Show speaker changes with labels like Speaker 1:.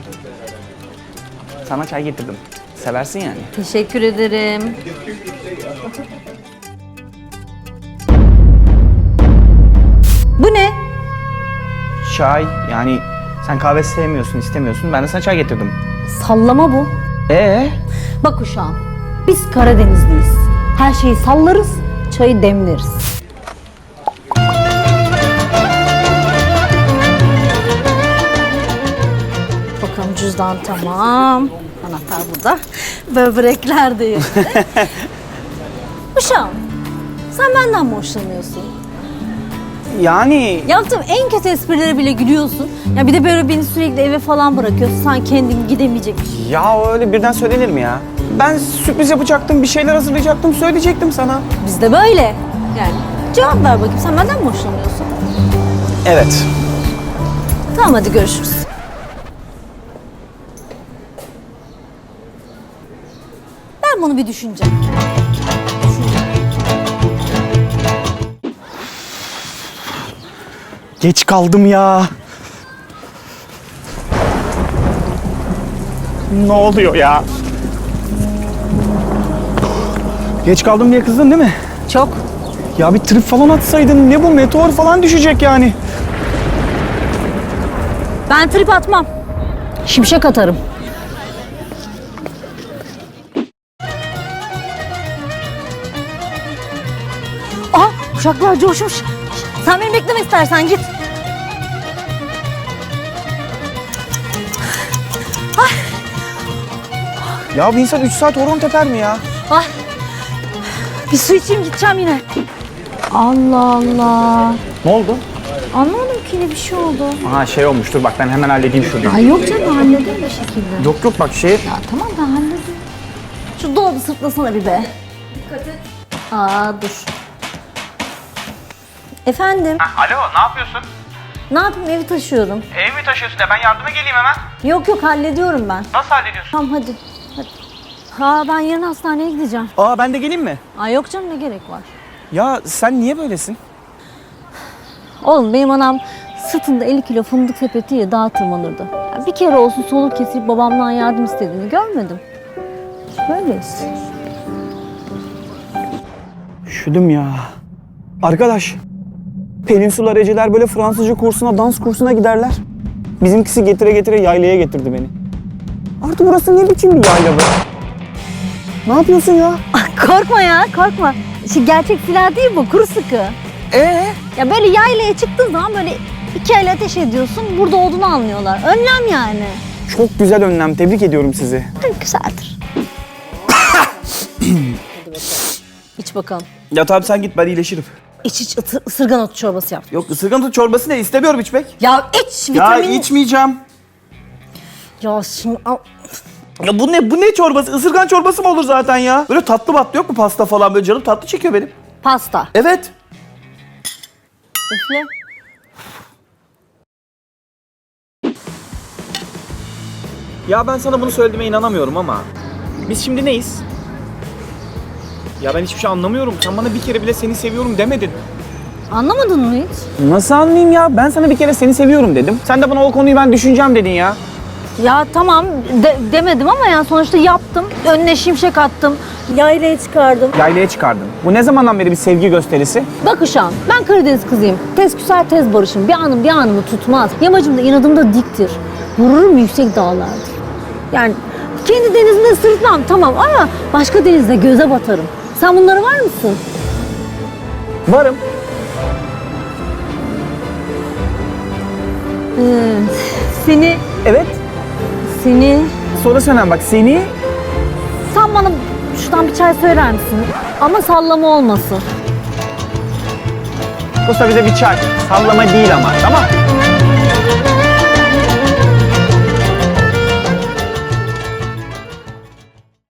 Speaker 1: Sana çay getirdim. Seversin yani.
Speaker 2: Teşekkür ederim. Bu ne?
Speaker 1: Çay yani sen kahve sevmiyorsun, istemiyorsun. Ben de sana çay getirdim.
Speaker 2: Sallama bu. Bak uşağım, biz Karadenizliyiz. Her şeyi sallarız, çayı demleriz. Bakalım cüzdan tamam. Anahtar burada. Böbrekler de yerinde. Uşağım, sen benden mi hoşlanıyorsun?
Speaker 1: Yani
Speaker 2: Yaptığım en kötü esprilere bile gülüyorsun. Ya bir de böyle beni sürekli eve falan bırakıyorsun. Sen kendin gidemeyecekmiş.
Speaker 1: ya öyle birden söylenir mi ya? Ben sürpriz yapacaktım, bir şeyler hazırlayacaktım, söyleyecektim sana.
Speaker 2: Biz de böyle. Yani cevap ver bakayım, sen benden mi hoşlanıyorsun?
Speaker 1: Evet.
Speaker 2: Tamam, hadi görüşürüz. Ben bunu bir düşüneceğim.
Speaker 1: Geç kaldım ya. Ne oluyor ya? Geç kaldım diye kızdın değil mi?
Speaker 2: Çok.
Speaker 1: Ya bir trip falan atsaydın, ne bu, meteor falan düşecek yani.
Speaker 2: Ben trip atmam. Şimşek atarım. Aa, uşaklar coşmuş. Sen beni bekleme istersen, git.
Speaker 1: Ya bir insan 3 saat horon teper mi ya?
Speaker 2: Ay. Bir su içeyim, gideceğim yine. Allah Allah.
Speaker 1: Ne oldu?
Speaker 2: Anlamadım ki, ne bir şey oldu.
Speaker 1: Aha şey olmuştur, bak ben hemen halledeyim şurayı.
Speaker 2: Ay yok canım, hallederim bir şekilde.
Speaker 1: Yok yok bak şey...
Speaker 2: Ya tamam, ben hallederim. Şu dolabı sırtlasana bir be. Dikkat et. Aa, dur. Efendim?
Speaker 1: Alo, ne yapıyorsun?
Speaker 2: Ne yapayım, evi taşıyorum.
Speaker 1: Ev mi taşıyorsun ya? Ben yardıma geleyim hemen.
Speaker 2: Yok yok, hallediyorum ben.
Speaker 1: Nasıl hallediyorsun?
Speaker 2: Tamam, hadi. Ha, ben yarın hastaneye gideceğim.
Speaker 1: Aa ben de geleyim mi?
Speaker 2: Ay yok canım, ne gerek var?
Speaker 1: Ya sen niye böylesin?
Speaker 2: Oğlum, benim anam sırtında 50 kilo fındık sepetiyle dağa tırmanırdı. Ya bir kere olsun soluk kesip babamdan yardım istediğini görmedim. Böyleyiz.
Speaker 1: Üşüdüm ya. Arkadaş, Peninsular Eceler böyle Fransızca kursuna, dans kursuna giderler. Bizimkisi getire getire yaylaya getirdi beni. Artık burası ne biçim bir yayla be? Ne yapıyorsun ya?
Speaker 2: Korkma ya, korkma. Gerçek silah değil bu, kuru sıkı. Ya böyle yaylaya çıktığın zaman böyle iki el ateş ediyorsun, burada olduğunu anlıyorlar. Önlem yani.
Speaker 1: Çok güzel önlem, tebrik ediyorum sizi.
Speaker 2: Güzeldir. İç bakalım.
Speaker 1: Ya tabii sen git, ben iyileşirim.
Speaker 2: İç ısırgan otu çorbası yap.
Speaker 1: Yok, ısırgan otu çorbası ne? İstemiyorum içmek.
Speaker 2: Ya iç,
Speaker 1: Ya
Speaker 2: vitamin.
Speaker 1: içmeyeceğim.
Speaker 2: Ya şimdi al.
Speaker 1: Ya bu ne çorbası? Isırgan çorbası mı olur zaten ya? Böyle tatlı batlı yok mu, pasta falan, böyle canım tatlı çekiyor benim.
Speaker 2: Pasta.
Speaker 1: Evet.
Speaker 2: Üfle.
Speaker 1: Ya ben sana bunu söylediğime inanamıyorum ama biz şimdi neyiz? Ya ben hiçbir şey anlamıyorum. Sen bana bir kere bile seni seviyorum demedin.
Speaker 2: Anlamadın mı hiç?
Speaker 1: Nasıl anlayayım ya? Ben sana bir kere seni seviyorum dedim. Sen de bana o konuyu ben düşüneceğim dedin ya.
Speaker 2: Ya tamam demedim ama yani sonuçta yaptım. Önüne şimşek attım. Yaylaya çıkardım.
Speaker 1: Yaylaya çıkardın. Bu ne zamandan beri bir sevgi gösterisi?
Speaker 2: Bak uşağım, ben Karadeniz kızıyım. Tez küser tez barışım. Bir anım bir anımı tutmaz. Yamacım da inadım da diktir. Gururum yüksek dağlardır. Yani kendi denizimde sırtmam tamam ama başka denizde göze batarım. Sen bunlara var mısın?
Speaker 1: Varım.
Speaker 2: Seni,
Speaker 1: Evet.
Speaker 2: seni...
Speaker 1: Sonra söyleyeyim bak, seni...
Speaker 2: Sen bana şuradan bir çay söyler misin? Ama sallama olmasın.
Speaker 1: Usta bize bir çay. Sallama değil ama, tamam?